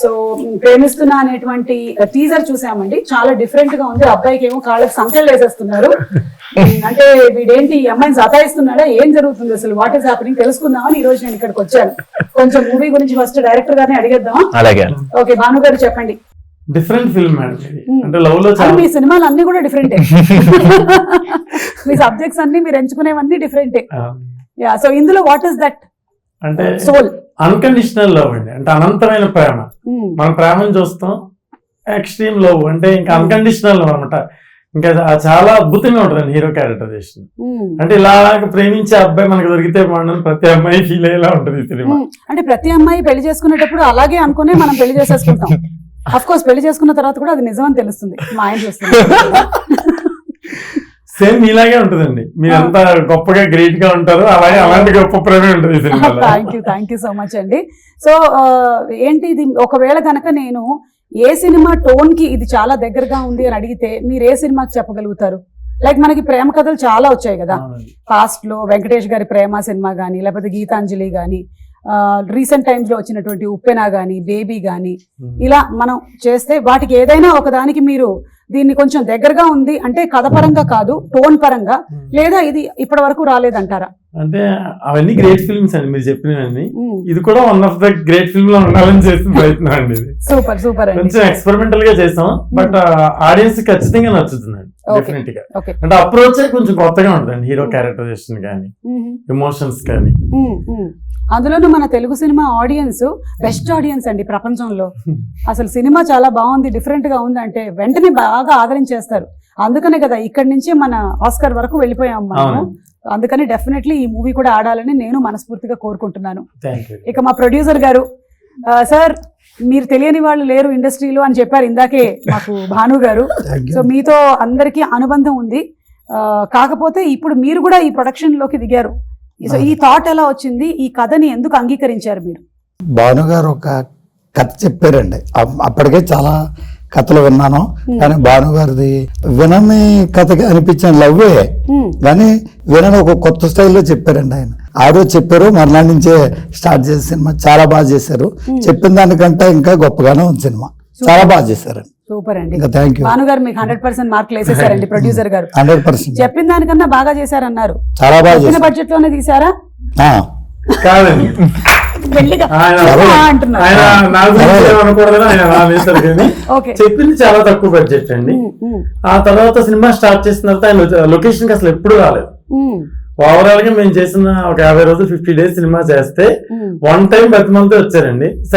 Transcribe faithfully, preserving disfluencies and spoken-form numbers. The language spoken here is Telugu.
సో ప్రేమిస్తున్నా అనేటువంటి టీజర్ చూసామండి, చాలా డిఫరెంట్ గా ఉంది. అబ్బాయికి ఏమో కాళ్ళకి సంఖ్యలు వేసేస్తున్నారు. అంటే వీడేంటి ఈ అమ్మాయిని సతాయిస్తున్నాడా, ఏం జరుగుతుంది అసలు, వాట్ ఈస్ హ్యాపెనింగ్ తెలుసుకుందామని ఈ రోజు నేను ఇక్కడికి వచ్చాను. కొంచెం మూవీ గురించి ఫస్ట్ డైరెక్టర్ గారిని అడిగేద్దాం. అలాగే. ఓకే, భాను గారు చెప్పండి. డిఫరెంట్ ఫిల్మ్ మేడం, అంటే లవ్ లో మీ సినిమాలు అన్ని కూడా డిఫరెంటే, మీ సబ్జెక్ట్స్ అన్ని మీరు ఎంచుకునేవన్నీ డిఫరెంటే. యా, సో ఇందులో వాట్ ఇస్ దట్ అంటే సోల్? అన్కండిషనల్ లవ్ అండి, అంటే అనంతమైన ప్రేమ. మనం ప్రేమను చూస్తాం, ఎక్స్ట్రీమ్ లవ్ అంటే ఇంకా అన్కండిషనల్ లవ్ అనమాట. ఇంకా చాలా అద్భుతంగా ఉంటుంది హీరో క్యారెక్టరైజేషన్. అంటే ఇలా ప్రేమించే అబ్బాయి మనకు దొరికితే బాగుండని ప్రతి అమ్మాయి ఫీల్ అయ్యేలా ఉంటుంది ఈ సినిమా. అంటే ప్రతి అమ్మాయి పెళ్లి చేసుకునేటప్పుడు అలాగే అనుకునే మనం పెళ్లి చేసేసుకుంటాం. అఫ్ కోర్స్ పెళ్లి చేసుకున్న తర్వాత కూడా అది నిజం అని తెలుస్తుంది. మా ఆయన చూస్తుంది సేమ్ మీలాగే ఉంటుందండి, మీరు ఎంత గొప్పగా గ్రేట్ గా ఉంటారో అలాగే అలాంటి గొప్ప ప్రేమే ఉంటుంది ఈ సినిమాలో. Thank you thank you so much అండి. సో ఏంటి ఇది, ఒకవేళ కనుక నేను ఏ సినిమా టోన్ కి ఇది చాలా దగ్గరగా ఉంది అని అడిగితే మీరు ఏ సినిమాకి చెప్పగలుగుతారు? లైక్ మనకి ప్రేమ కథలు చాలా వచ్చాయి కదా పాస్ట్ లో, వెంకటేష్ గారి ప్రేమ సినిమా గానీ, లేకపోతే గీతాంజలి గానీ, రీసెంట్ టైమ్స్ లో వచ్చినటువంటి ఉప్పెన గానీ, బేబీ గానీ, ఇలా మనం చేస్తే వాటికి ఏదైనా ఒక దానికి మీరు దీన్ని కొంచెం దగ్గరగా ఉంది అంటే కథ పరంగా కాదు, టోన్ పరంగా, లేదా ఇది ఇప్పటి వరకు రాలేదంటారా? అంటే అవన్నీ గ్రేట్ ఫిల్మ్స్ అండి మీరు చెప్పినవన్నీ. ఇది కూడా one of the great film లో ఉండాలని చేసిన ప్రయత్నం అండి. ఇది సూపర్ సూపర్ అండి. కొంచెం ఎక్స్పెరిమెంటల్ గా చేసాం, బట్ ఆడియన్స్ ఖచ్చితంగా నచ్చుతుందండి డెఫినెట్ గా. అంటే అప్రోచ్ కొంచెం కొత్తగా ఉంటుందండి, హీరో క్యారెక్టరైజేషన్ కానీ, ఎమోషన్స్ కానీ. అందులోనూ మన Telugu cinema audience best audience అండి ప్రపంచంలో. అసలు సినిమా చాలా బాగుంది, డిఫరెంట్ గా ఉంది అంటే వెంటనే బాగా ఆదరించేస్తారు. అందుకనే కదా ఇక్కడి నుంచి మన ఆస్కర్ వరకు వెళ్ళిపోయాం మనము. అందుకని డెఫినెట్లీ ఈ మూవీ కూడా ఆడాలని నేను మనస్ఫూర్తిగా కోరుకుంటున్నాను. ఇక మా ప్రొడ్యూసర్ గారు, సార్ మీరు తెలియని వాళ్ళు లేరు ఇండస్ట్రీలో అని చెప్పారు ఇందాకే మాకు భాను గారు. సో మీతో అందరికీ అనుబంధం ఉంది, కాకపోతే ఇప్పుడు మీరు కూడా ఈ ప్రొడక్షన్ లోకి దిగారు. సో ఈ థాట్ ఎలా వచ్చింది, ఈ కథని ఎందుకు అంగీకరించారు మీరు? భాను గారు ఒక కథ చెప్పారండి, అప్పటికే చాలా కథలు విన్నాను, కానీ భాను గారిది వినని కథగా అనిపించిన లవ్వే, కానీ వినని ఒక కొత్త స్టైల్లో చెప్పారండి ఆయన. ఆ రోజు చెప్పారు, మర్నాడు నుంచే స్టార్ట్ చేసే సినిమా చాలా బాగా చేశారు. చెప్పిన దానికంటే ఇంకా గొప్పగానే ఉంది సినిమా, చాలా బాగా చేశారండి. సూపర్ అండి, థ్యాంక్ యూ. భాను గారు మీకు హండ్రెడ్ పర్సెంట్ మార్కులు వేసేసారండి. ప్రొడ్యూసర్ గారు హండ్రెడ్ పర్సెంట్ చెప్పిన దానికన్నా బాగా చేశారన్నారు. చాలా బాగా చేశారు. బడ్జెట్ లోనే తీసారా? కాదండి, చెప్పింది చాలా తక్కువ బడ్జెట్ అండి. ఆ తర్వాత సినిమా స్టార్ట్ చేసిన తర్వాత ఆయన లొకేషన్ కి అసలు ఎప్పుడు రాలేదు. ఓవరాల్ గా మేము చేసిన ఒక యాభై రోజులు ఫిఫ్టీ డేస్ సినిమా చేస్తే వన్ టైం ప్రతి మంత్ వచ్చారండి.